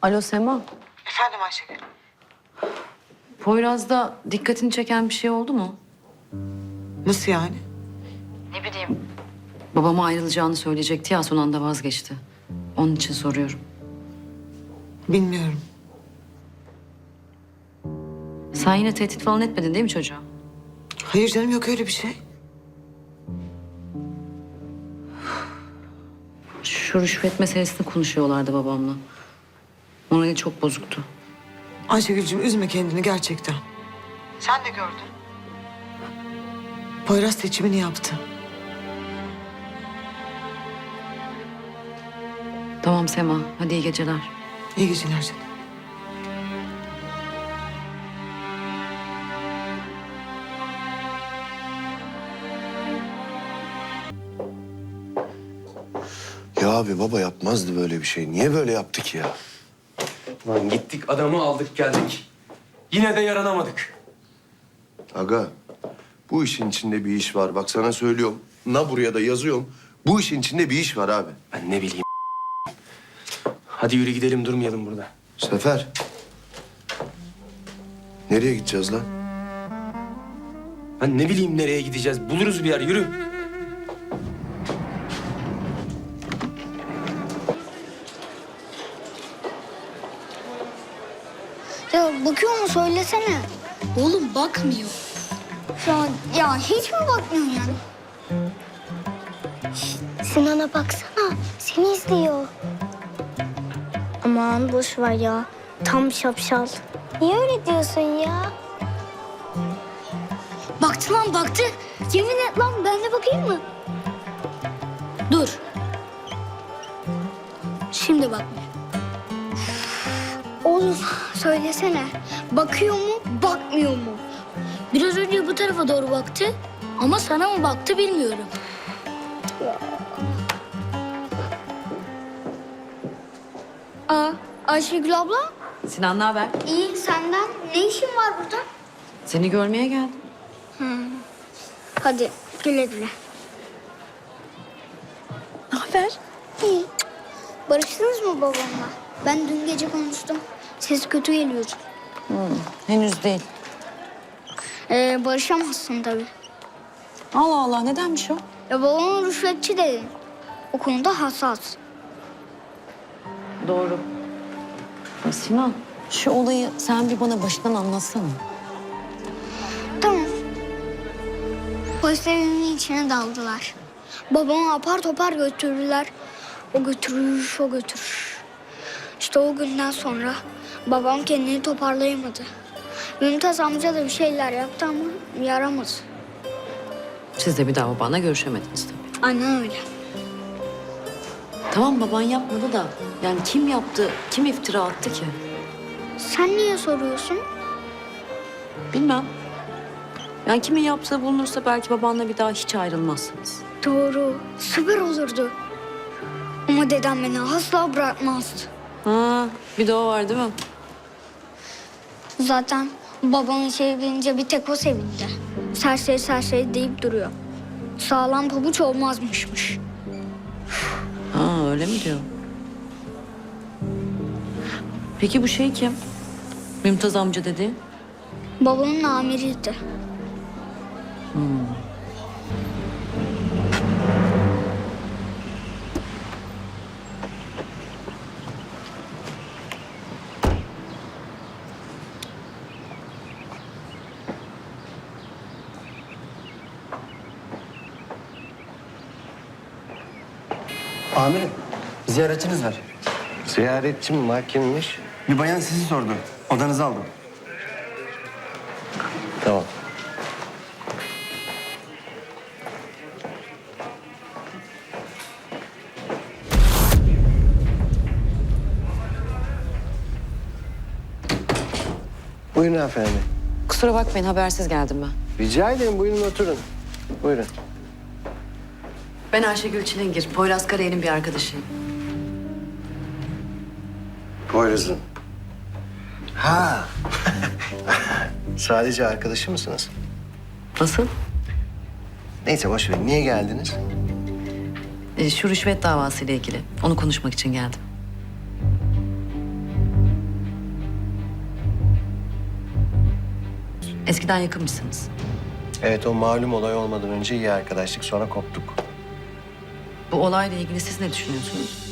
Alo Sema. Efendim Ayşegül. Poyraz'da dikkatini çeken bir şey oldu mu? Nasıl yani? Ne bileyim. Babama ayrılacağını söyleyecekti ya, son anda vazgeçti. Onun için soruyorum. Bilmiyorum. Sen yine tehdit falan etmedin değil mi çocuğa? Hayır canım, yok öyle bir şey. Şu rüşvet meselesini konuşuyorlardı babamla. Morali çok bozuktu. Ayşegül'cüğüm üzme kendini gerçekten. Sen de gördün. Poyraz seçimini yaptı. Tamam Sema, hadi iyi geceler. İyi geceler canım. Ya abi baba yapmazdı böyle bir şey. Niye böyle yaptı ki ya? Lan gittik adamı aldık geldik. Yine de yaranamadık. Aga bu işin içinde bir iş var. Bak sana söylüyorum. Na buraya da yazıyorum. Bu işin içinde bir iş var abi. Ben ne bileyim. Hadi yürü gidelim, durmayalım burada. Sefer. Nereye gideceğiz lan? Ben ne bileyim nereye gideceğiz. Buluruz bir yer, yürü. Ya bakıyor mu söylesene. Oğlum bakmıyor. Ya hiç mi bakmıyorsun yani? Sinan'a baksana. Seni izliyor. Aman boş ver ya. Tam şapşal. Niye öyle diyorsun ya? Baktı lan baktı. Yemin et lan, ben de bakayım mı? Dur. Şimdi bakmıyor. Oğlum söylesene. Bakıyor mu, bakmıyor mu? Biraz önce bu tarafa doğru baktı ama sana mı baktı bilmiyorum. Ayşegül abla, Sinan, ne haber? iyi senden. Ne işin var burada? Seni görmeye geldim. Hadi güle güle. Ne haber? İyi. Barıştınız mı babamla? Ben dün gece konuştum. Ses kötü geliyordu. Henüz değil. Barışamazsın tabii. Allah Allah, nedenmiş o? Ya babama rüşvetçi dedin. O konuda hassas. Doğru. Ya Sinan, şu olayı sen bir bana başından anlatsana. Tamam. Polis evinin içine daldılar. Babamı apar topar götürdüler. O götürür, o götürür. İşte o günden sonra babam kendini toparlayamadı. Mümtaz amca da bir şeyler yaptı ama yaramadı. Siz de bir daha babanla görüşemediniz tabii. Aynen öyle. Tamam, baban yapmadı da yani kim yaptı, kim iftira attı ki? Sen niye soruyorsun? Bilmem. Yani kimin yaptığı bulunursa belki babanla bir daha hiç ayrılmazsınız. Doğru. Süper olurdu. Ama dedem beni asla bırakmazdı. Ha, bir de o var değil mi? Zaten babam işe gelince bir tek o sevindi. Serseri serseri deyip duruyor. Sağlam pabuç olmazmışmış. Ha, öyle mi diyor? Peki bu şey kim? Mümtaz amca dedi. Babamın amiriydi. Amirim, ziyaretçiniz var. Ziyaretçi mi var, kimmiş? Bir bayan sizi sordu. Odanızı aldım. Tamam. Buyurun efendim. Kusura bakmayın, habersiz geldim ben. Rica ederim, buyurun oturun. Buyurun. Ben Ayşegül Çilingir, Poyraz Karayel'in bir arkadaşıyım. Poyraz'ın. Ha. Sadece arkadaşı mısınız? Nasıl? Neyse boş verin. Niye geldiniz? Şu rüşvet davasıyla ilgili. Onu konuşmak için geldim. Eskiden yakınmışsınız. Evet, o malum olay olmadan önce iyi arkadaşlık, sonra koptuk. Bu olayla ilgili siz ne düşünüyorsunuz?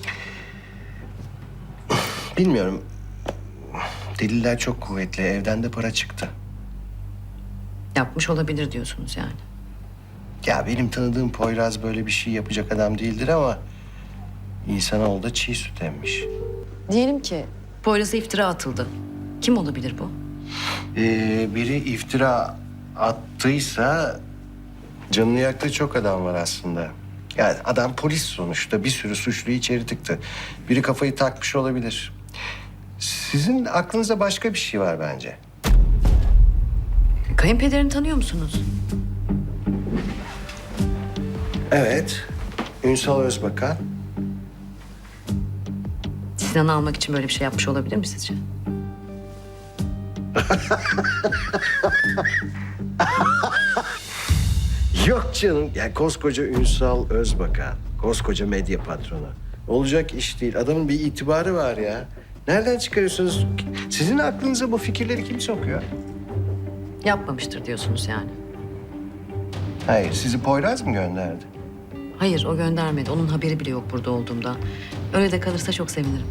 Bilmiyorum. Deliller çok kuvvetli. Evden de para çıktı. Yapmış olabilir diyorsunuz yani. Ya benim tanıdığım Poyraz böyle bir şey yapacak adam değildir ama... ...insanoğlu da çiğ süt emmiş. Diyelim ki Poyraz'a iftira atıldı. Kim olabilir bu? Biri iftira attıysa... ...canını yaktığı çok adam var aslında. Yani adam polis sonuçta. Bir sürü suçluyu içeri tıktı. Biri kafayı takmış olabilir. Sizin aklınızda başka bir şey var bence. Kayınpederini tanıyor musunuz? Evet. Ünsal Özbakan. Sinan'ı almak için böyle bir şey yapmış olabilir mi sizce? Yok canım. Yani koskoca Ünsal Özbakan. Koskoca medya patronu. Olacak iş değil. Adamın bir itibarı var ya. Nereden çıkarıyorsunuz? Sizin aklınıza bu fikirleri kim sokuyor? Yapmamıştır diyorsunuz yani. Hayır, sizi Poyraz mı gönderdi? Hayır, o göndermedi. Onun haberi bile yok burada olduğumdan. Öyle de kalırsa çok sevinirim.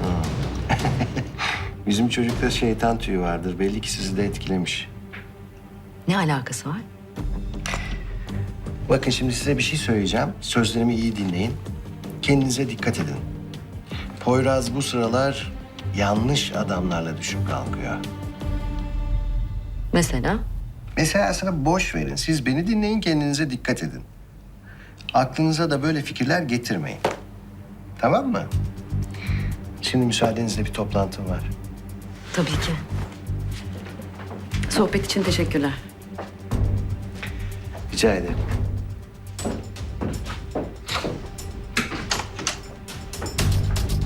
Bizim çocukta şeytan tüyü vardır. Belli ki sizi de etkilemiş. Ne alakası var? Bakın şimdi size bir şey söyleyeceğim. Sözlerimi iyi dinleyin. Kendinize dikkat edin. Poyraz bu sıralar yanlış adamlarla düşüp kalkıyor. Mesela? Mesela sana boş verin. Siz beni dinleyin, kendinize dikkat edin. Aklınıza da böyle fikirler getirmeyin. Tamam mı? Şimdi müsaadenizle bir toplantım var. Tabii ki. Sohbet için teşekkürler. Rica ederim.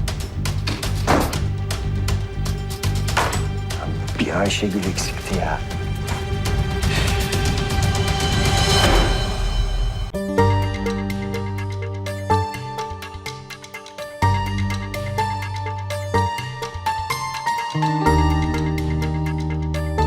Bir Ayşegül eksikti ya.